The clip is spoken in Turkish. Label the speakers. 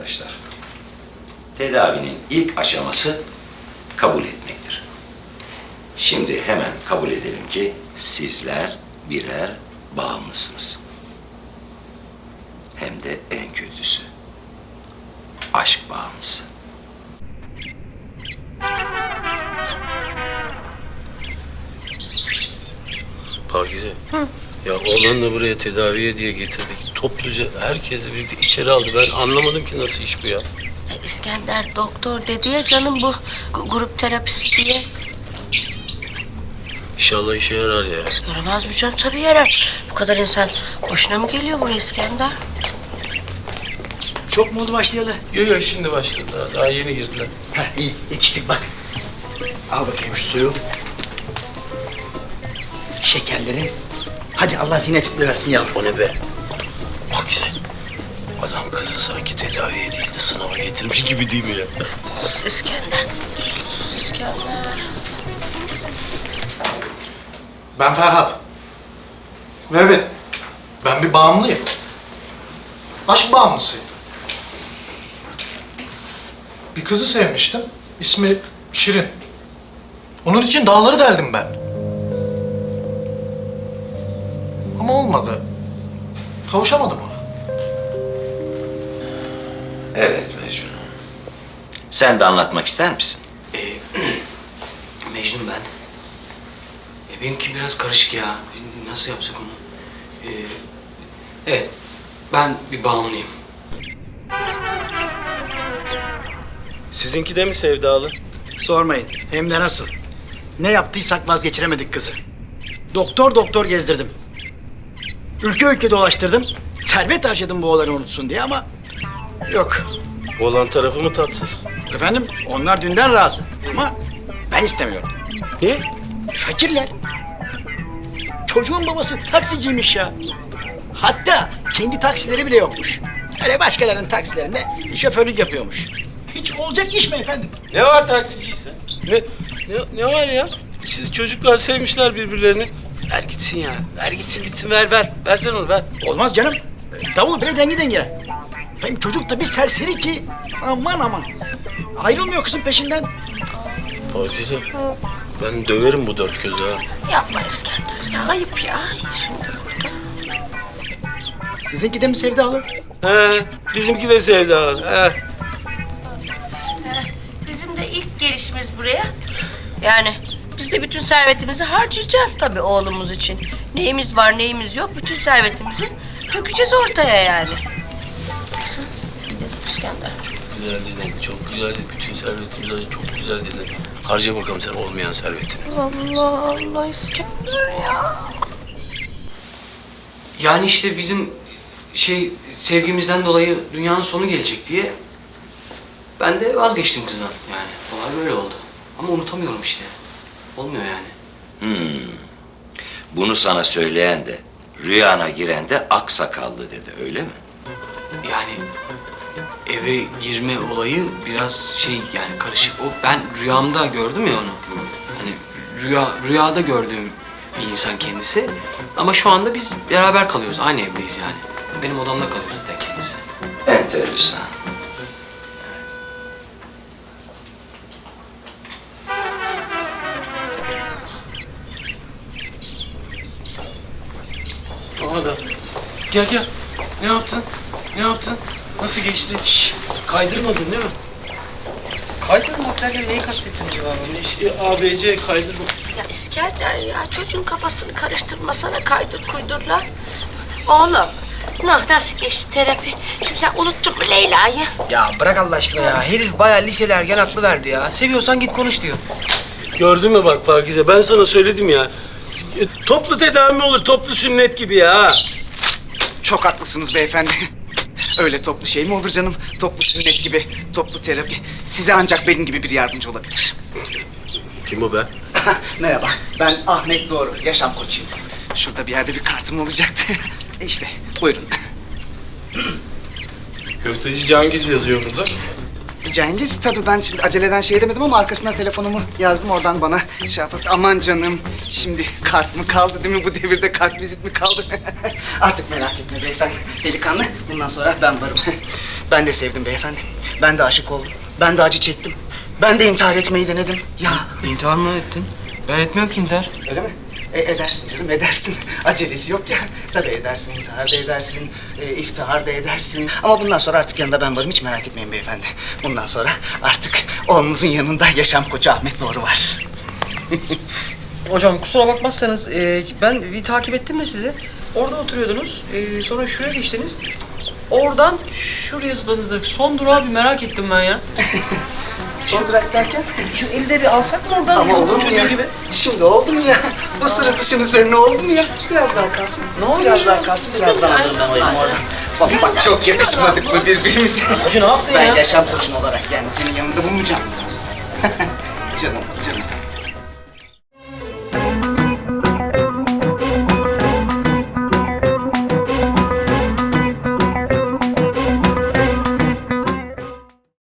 Speaker 1: arkadaşlar. Tedavinin ilk aşaması kabul etmektir. Şimdi hemen kabul edelim ki sizler birer bağımlısınız. Hem de en kötüsü. Aşk bağımlısı.
Speaker 2: Pakize. Ya oğlanla buraya tedaviye diye getirdik. Topluca herkesle birlikte içeri aldı. Ben anlamadım ki nasıl iş bu ya.
Speaker 3: İskender doktor dedi ya canım bu grup terapisi diye.
Speaker 2: İnşallah işe yarar ya.
Speaker 3: Yaramaz mı canım? Tabii yarar. Bu kadar insan boşuna mı geliyor buraya İskender?
Speaker 4: Çok mu oldu başlayalı?
Speaker 2: Yok şimdi başladı. Daha yeni girdiler.
Speaker 4: Heh, iyi yetiştik bak. Al bakayım şu suyu. Şekerleri. Hadi Allah zihin açıklığı versin yavrum.
Speaker 2: O ne be? Pakize. Adam kızı sanki tedaviye değil de sınava getirmiş gibi değil mi ya?
Speaker 3: Sus İskender. Sus İskender.
Speaker 5: Ben Ferhat. Ve evet, ben bir bağımlıyım. Aşk bağımlısıyım. Bir kızı sevmiştim. İsmi Şirin. Onun için dağları deldim ben. Ama olmadı. Kavuşamadım ona.
Speaker 1: Evet Mecnun. Sen de anlatmak ister misin?
Speaker 6: Mecnun ben. Benimki biraz karışık ya. Nasıl yapsak onu? Evet, ben bir bağımlıyım.
Speaker 2: Sizinki de mi sevdalı?
Speaker 4: Sormayın. Hem de nasıl. Ne yaptıysak vazgeçiremedik kızı. Doktor doktor gezdirdim. Ülke ülke dolaştırdım. Servet harcadım bu oğlanı unutsun diye ama yok.
Speaker 2: Oğlan tarafı mı tatsız?
Speaker 4: Efendim onlar dünden razı ama ben istemiyorum.
Speaker 2: Niye?
Speaker 4: Fakirler. Çocuğun babası taksiciymiş ya. Hatta kendi taksileri bile yokmuş. Öyle başkalarının taksilerinde şoförlük yapıyormuş. Hiç olacak iş mi efendim?
Speaker 2: Ne var taksiciyse? Ne var ya? İşte çocuklar sevmişler birbirlerini. Ver gitsin ya. Ver gitsin ver. Versen onu ver.
Speaker 4: Olmaz canım. Davul bile dengi dengine. Hem çocuk da bir serseri ki aman. Ayrılmıyor kızın peşinden.
Speaker 2: Pakize. Ben döverim bu dört gözü ha.
Speaker 3: Yapma İskender ya. Ayıp ya. Şimdi burada.
Speaker 4: Sizinki de mi sevdalı?
Speaker 2: He, bizimki de sevdalı. He.
Speaker 3: Bizim de ilk gelişimiz buraya. Yani biz de bütün servetimizi harcayacağız tabii oğlumuz için. Neyimiz var neyimiz yok bütün servetimizi dökeceğiz ortaya yani. Nasıl? İskender.
Speaker 2: Güzel dedin, çok güzel dedin. Bütün servetimizi harca, çok güzel dedin. Harca bakalım sen olmayan servetini.
Speaker 3: Allah İskender ya.
Speaker 6: Yani işte bizim sevgimizden dolayı dünyanın sonu gelecek diye ben de vazgeçtim kızdan yani. Olay böyle oldu. Ama unutamıyorum işte. Olmuyor yani.
Speaker 1: Bunu sana söyleyen de, rüyana giren de aksakallı dedi, öyle mi?
Speaker 6: Yani eve girme olayı biraz yani karışık. O ben rüyamda gördüm ya onu. Hani rüyada gördüğüm bir insan kendisi. Ama şu anda biz beraber kalıyoruz. Aynı evdeyiz yani. Benim odamda kalıyor zaten kendisi.
Speaker 1: Enteresan.
Speaker 2: Aha da. Gel. Ne yaptın? Nasıl geçti? Şşş, kaydırmadın değil mi?
Speaker 6: Kaydırmak derken neyi kastettin acaba?
Speaker 2: ABC kaydırma.
Speaker 3: Ya İskender ya çocuğun kafasını karıştırmasana kaydır kuydurla. Oğlum nasıl geçti terapi? Şimdi sen unuttun mu Leyla'yı?
Speaker 7: Ya bırak Allah aşkına ya. Herif bayağı liseli ergen aklı verdi ya. Seviyorsan git konuş diyor.
Speaker 2: Gördün mü bak Pakize, ben sana söyledim ya. Toplu tedavi mi olur, toplu sünnet gibi ya.
Speaker 8: Çok haklısınız beyefendi. Öyle toplu şey mi olur canım? Toplu sünnet gibi, toplu terapi. Size ancak benim gibi bir yardımcı olabilir.
Speaker 2: Kim o be?
Speaker 8: Merhaba, ben Ahmet Doğru, yaşam koçuyum. Şurada bir yerde bir kartım olacaktı. İşte, buyurun.
Speaker 2: Köfteci Cengiz yazıyor burada.
Speaker 8: Cengiz. Tabii ben şimdi aceleden şey demedim ama arkasına telefonumu yazdım. Oradan bana şey yapıp aman canım şimdi kart mı kaldı değil mi? Bu devirde kart vizit mi kaldı? Artık merak etme beyefendi. Delikanlı bundan sonra ben varım. Ben de sevdim beyefendi. Ben de aşık oldum. Ben de acı çektim. Ben de intihar etmeyi denedim. Ya
Speaker 7: İntihar mı ettin? Ben etmiyorum ki intihar.
Speaker 8: öyle mi? Edersin canım, edersin. Acelesi yok ya. Tabii edersin, intihar da edersin, iftihar da edersin. Ama bundan sonra artık yanında ben varım, hiç merak etmeyin beyefendi. Bundan sonra artık oğlunuzun yanında yaşam koçu Ahmet Doğru var.
Speaker 7: Hocam kusura bakmazsanız ben bir takip ettim de sizi. Orada oturuyordunuz. Sonra şuraya geçtiniz. Oradan şuraya zıpladınız. Son durağı bir merak ettim ben ya.
Speaker 8: Son durak derken?
Speaker 7: Şu eli de bir alsak mı oradan?
Speaker 8: Ama olur mu
Speaker 7: Çocuğu
Speaker 8: ya?
Speaker 7: gibi.
Speaker 8: Şimdi oldu mu ya? Bu sırıtışın üzerine oldu mu ya? Biraz daha kalsın.
Speaker 7: Ne oluyor
Speaker 8: Biraz
Speaker 7: ya?
Speaker 8: daha kalsın, birazdan alırım ben o elimi oradan. Bak çok yakışmadık mı birbirimize?
Speaker 7: Hacı ne yaptın
Speaker 8: Ben
Speaker 7: ya?
Speaker 8: yaşam koçun olarak yani senin yanında bulunacağım. Canım, canım.